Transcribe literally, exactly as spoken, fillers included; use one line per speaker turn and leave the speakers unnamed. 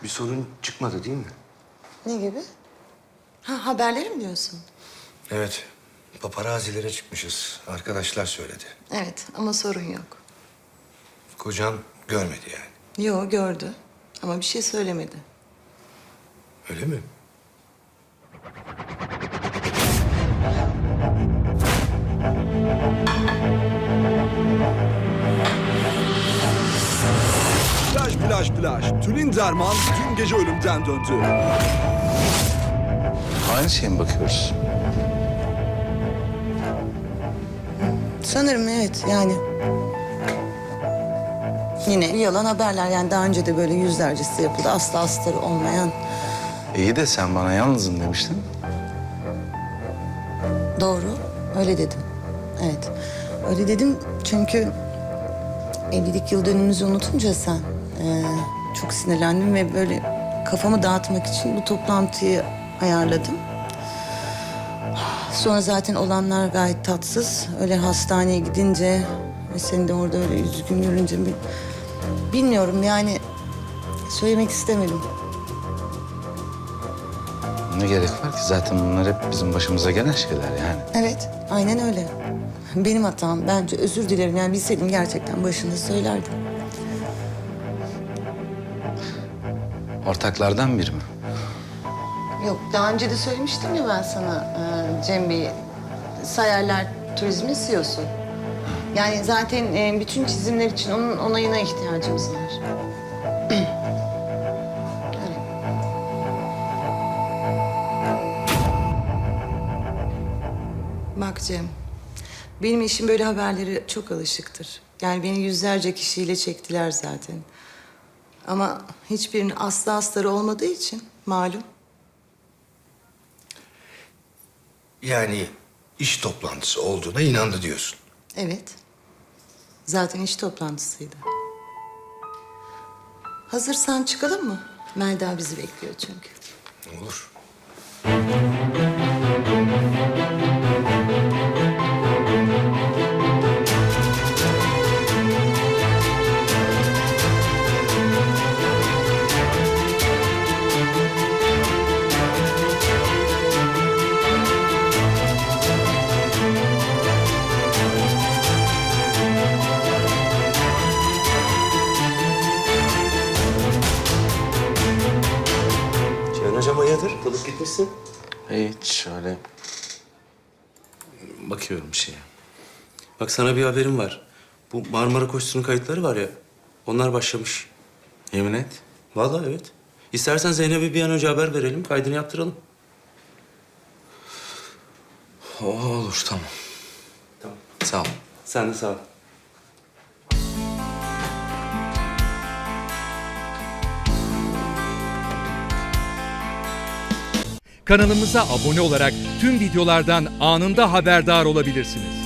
Bir sorun çıkmadı değil mi?
Ne gibi? Ha, haberleri mi diyorsun?
Evet. Paparazilere çıkmışız. Arkadaşlar söyledi.
Evet ama sorun yok.
Kocan görmedi yani.
Yo, gördü ama bir şey söylemedi.
Öyle mi?
Plaj plaj plaj. Tülin Derman dün gece ölümden döndü.
Aynı şeye mi bakıyoruz?
Sanırım evet yani. Yine yalan haberler yani daha önce de böyle yüzlercesi yapıldı. Asla astarı olmayan.
İyi de sen bana yalnızım demiştin.
Doğru, öyle dedim. Evet, öyle dedim çünkü evlilik yıl dönümümüzü unutunca sen eee, çok sinirlendim ve böyle kafamı dağıtmak için bu toplantıyı ayarladım. Sonra zaten olanlar gayet tatsız. Öyle hastaneye gidince ve seni de orada öyle üzgün görünce bir, bilmiyorum yani söylemek istemedim.
Ne gerek var ki? Zaten bunlar hep bizim başımıza gelen şeyler yani.
Evet, aynen öyle. Benim hatam. Bence özür dilerim. Yani bilseydim gerçekten başında söylerdim.
Ortaklardan biri mi?
Yok, daha önce de söylemiştim ya ben sana e, Cem Bey, Sayarlar Turizm'in C E O'su. Yani zaten e, bütün çizimler için onun onayına ihtiyacımız var. Öyle. Bak Cem, benim eşim böyle haberlere çok alışıktır. Yani beni yüzlerce kişiyle çektiler zaten. Ama hiçbirinin aslı astarı olmadığı için malum.
Yani iş toplantısı olduğuna inandı diyorsun.
Evet. Zaten iş toplantısıydı. Hazırsan çıkalım mı? Melda bizi bekliyor çünkü.
Olur. Ceyhun hocam hayırdır? Dalıp gitmişsin.
Hiç şöyle bakıyorum bir şeye.
Bak sana bir haberim var. Bu Marmara Koşusu'nun kayıtları var ya, onlar başlamış.
Yemin et.
Vallahi evet. İstersen Zeynep'e bir an önce haber verelim, kaydını yaptıralım.
O olur tamam.
Tamam.
Sağ ol.
Sen de sağ ol.
Kanalımıza abone olarak tüm videolardan anında haberdar olabilirsiniz.